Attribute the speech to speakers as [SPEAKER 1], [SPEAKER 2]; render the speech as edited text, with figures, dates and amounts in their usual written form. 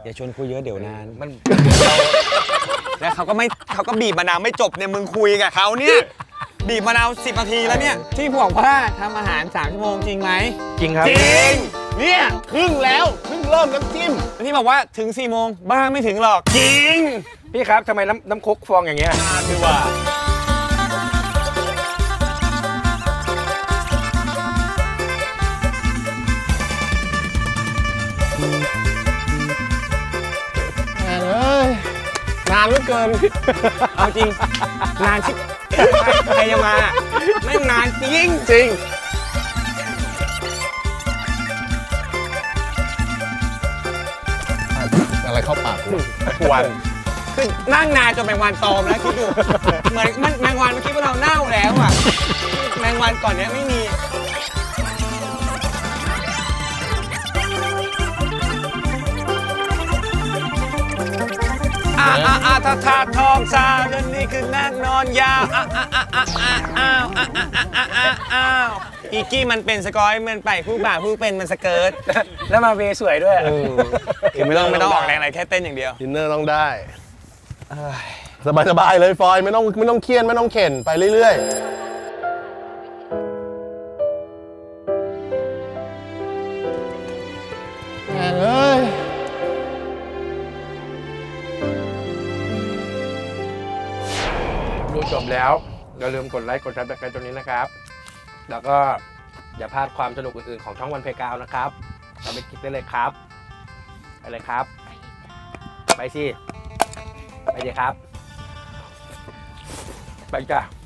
[SPEAKER 1] อย่าชวนคุยเยอะเดี๋ยวนาน
[SPEAKER 2] มัน
[SPEAKER 1] แล้วเขาก็บีบมะนาวไม่จบเนี่ยมึงคุยกับเขาเนี่ยบีบมะนาว10 นาทีแล้วเนี่ยที่บอกว่าทำอาหาร3 ชั่วโมงจริงไหม
[SPEAKER 2] จริงครับ
[SPEAKER 1] จริง
[SPEAKER 3] เนี่ยครึ่งแล้วเพิ่งเริ่มน้ำจิ้ม
[SPEAKER 1] แล้วที่บอกว่าถึง4 โมงบ้าไม่ถึงหรอกจริง
[SPEAKER 2] พี่ครับทำไมน้ำคกฟองอย่างเงี้ย
[SPEAKER 1] คือว่า
[SPEAKER 3] เอ้ยนานเหลือเกิน
[SPEAKER 1] เอาจริงนานชิบใครจะมาแม่งนานจริง
[SPEAKER 3] จริงอะไรเข้าปากกู
[SPEAKER 1] วันคือนั่งนานจนแมงวันตอมแล้วคิดดูเหมือนแมงวันเมื่อกี้พวกเราเน่าแล้วอ่ะแมงวันก่อนเนี้ยไม่มีถ้าทองสาวเดือนนี้คือนั่งนอนยาวอ้าวอีกี้มันเป็นสกอยมันไปผู้บ่าวผู้เป็นมันสเกิร์ต
[SPEAKER 2] แล้วมาเวสวยด้วย
[SPEAKER 1] คือไม่ต้องออกแรงอะไรแค่เต้นอย่างเดียว
[SPEAKER 3] ดินเนอร์ต้องได้สบายๆเลยฟอยไม่ต้องเครียดไม่ต้องเข็นไปเรื่อยๆแม่งเอ้ย
[SPEAKER 2] ดูจบแล้วอย่าลืมกดไลค์กดซับสไครต์ตรงนี้นะครับ แล้วก็อย่าพลาดความสนุกอื่นๆของช่องวันเพกาวนะครับเราไปคลิกได้เลยครับไปเลยครับ ไปสิไปเลยครับไปจ้ะ